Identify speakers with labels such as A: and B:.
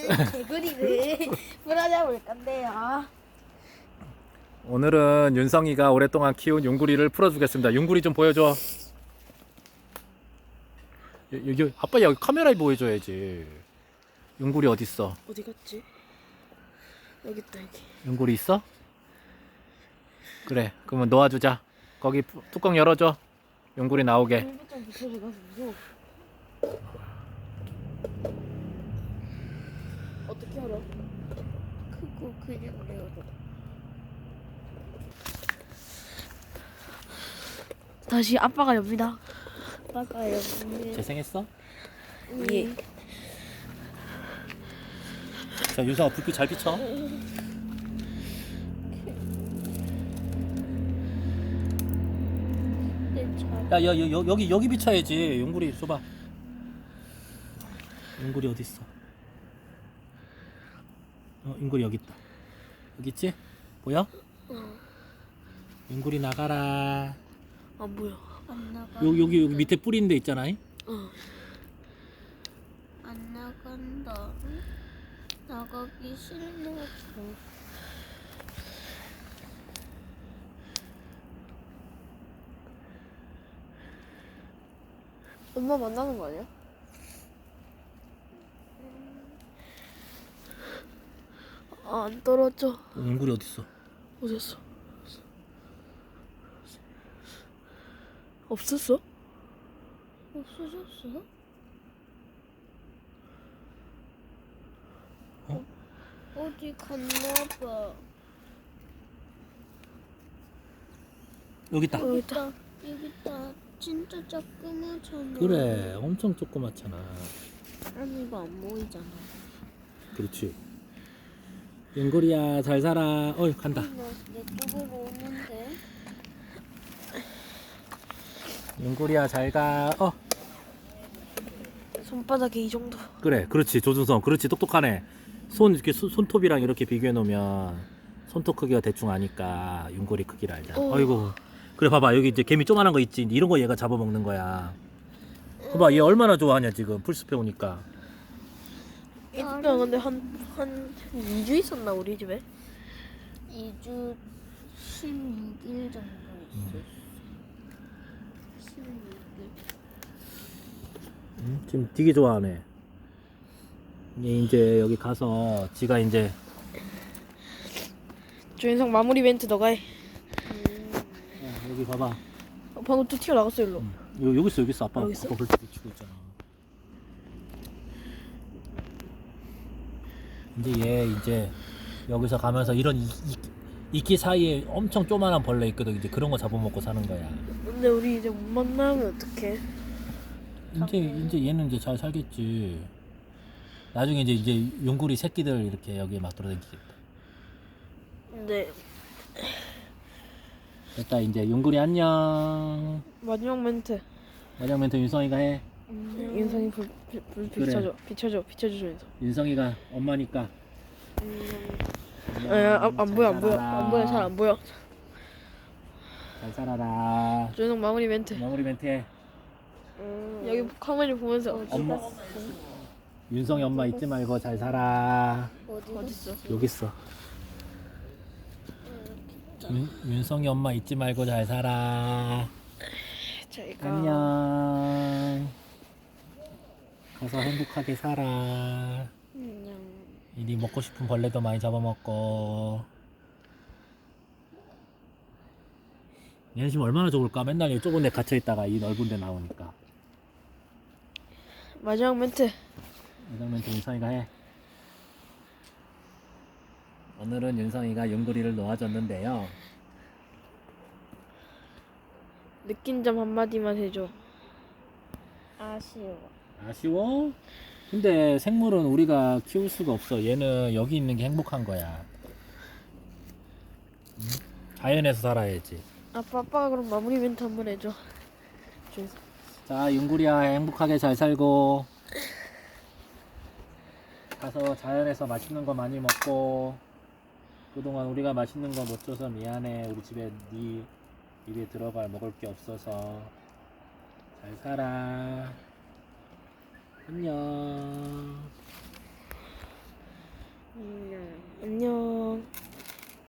A: 개구리를 풀어잡을 건데요.
B: 오늘은 윤성이가 오랫동안 키운 용구리를 풀어주겠습니다. 용구리 좀 보여줘. 여기 아빠 여기 카메라에 보여줘야지. 용구리 어딨어?
A: 어디 갔지? 여기 있다 여기.
B: 용구리 있어? 그래 그러면 놓아주자. 거기 뚜껑 열어줘. 용구리 나오게.
A: 좀 붙여줘가지고. 어떻게 열어? 크고 그냥 열어. 다시 아빠가 엽니다. 아빠가 엽니다.
B: 재생했어?
A: 예.
B: 자 윤성아 불빛 잘 비춰. 야, 여기 비춰야지. 용구리 줘봐. 용구리 어디 있어? 용구리 여기 있다. 여기 있지? 보여? 용구리 나가라.
A: 안 보여. 안 나가.
B: 여기 밑에 뿌리 있는 데 있잖아.
A: 안 나간다. 나가기 싫다고. 엄마 만나는 거 아니야? 아, 안 떨어져.
B: 용구리 어디 있어?
A: 어딨어? 없었어? 없어졌어? 어디 갔나봐.
B: 여기 있다.
A: 여기 있다. 여기 있다. 진짜 조그맣잖아.
B: 그래, 엄청 조그맣잖아.
A: 아니 이거 안 보이잖아.
B: 그렇지. 용구리야 잘 살아. 간다.
A: 내 쪽으로 오는데.
B: 용구리야 잘 가.
A: 손바닥에 이 정도.
B: 그래, 그렇지 조준성. 그렇지 똑똑하네. 이렇게 손톱이랑 이렇게 비교해 놓으면 손톱 크기가 대충 아니까 용구리 크기를 알잖아. 아이고. 그래 봐봐 여기 이제 개미 조그만한 거 있지. 이런 거 얘가 잡아먹는 거야. 봐봐 얘 얼마나 좋아하냐 지금 풀숲에 오니까.
A: 일단 근데 한 2주 있었나 우리 집에? 2주 16일 정도 있었어. 16일.
B: 지금 되게 좋아하네. 얘 이제 여기 가서 지가 이제
A: 조인성 마무리 멘트 너가 해.
B: 여기 봐봐.
A: 방금 또 튀어나갔어 일로.
B: 여기 있어. 아빠
A: 여기 있어?
B: 아빠 벌써 비추고 있잖아. 이제 얘 이제 여기서 가면서 이런 이끼 사이에 엄청 조그만한 벌레 있거든. 이제 그런 거 잡아먹고 사는 거야.
A: 근데 우리 이제 못 만나면 어떡해?
B: 이제 얘는 이제 잘 살겠지. 나중에 이제 용구리 새끼들 이렇게 여기에 막 돌아다니겠다.
A: 근데
B: 됐다 이제 용구리 안녕.
A: 마지막 멘트.
B: 마지막 멘트 윤성이가 해.
A: 윤성이 불
B: 그래.
A: 비춰줘 조인성.
B: 윤성이가 엄마니까.
A: 안 보여 잘 안 보여.
B: 잘 살아라.
A: 조인성 마무리 멘트.
B: 마무리 멘트 해.
A: 여기 카메라 보면서.
B: 엄마. 윤성이 엄마 잊지 말고 잘 살아.
A: 어딨어?
B: 여기 있어. 윤성이 엄마 잊지 말고 잘 살아.
A: 저희가
B: 안녕. 가서 행복하게 살아.
A: 안녕.
B: 이리 먹고 싶은 벌레도 많이 잡아먹고. 얘는 지금 얼마나 좋을까? 맨날 이 좁은 데 갇혀있다가 이 넓은 데 나오니까.
A: 마지막 멘트.
B: 마지막 멘트 윤성이가 해. 오늘은 윤성이가 용구리를 놓아줬는데요.
A: 느낀 점 한마디만 해줘.
B: 아쉬워? 근데 생물은 우리가 키울 수가 없어. 얘는 여기 있는 게 행복한 거야. 응? 자연에서 살아야지.
A: 아빠가 그럼 마무리 멘트 한번 해줘.
B: 자, 용구리야 행복하게 잘 살고 가서 자연에서 맛있는 거 많이 먹고. 그동안 우리가 맛있는 거 못 줘서 미안해. 우리 집에 네 입에 들어갈 먹을 게 없어서. 잘 살아. 안녕.
A: 안녕.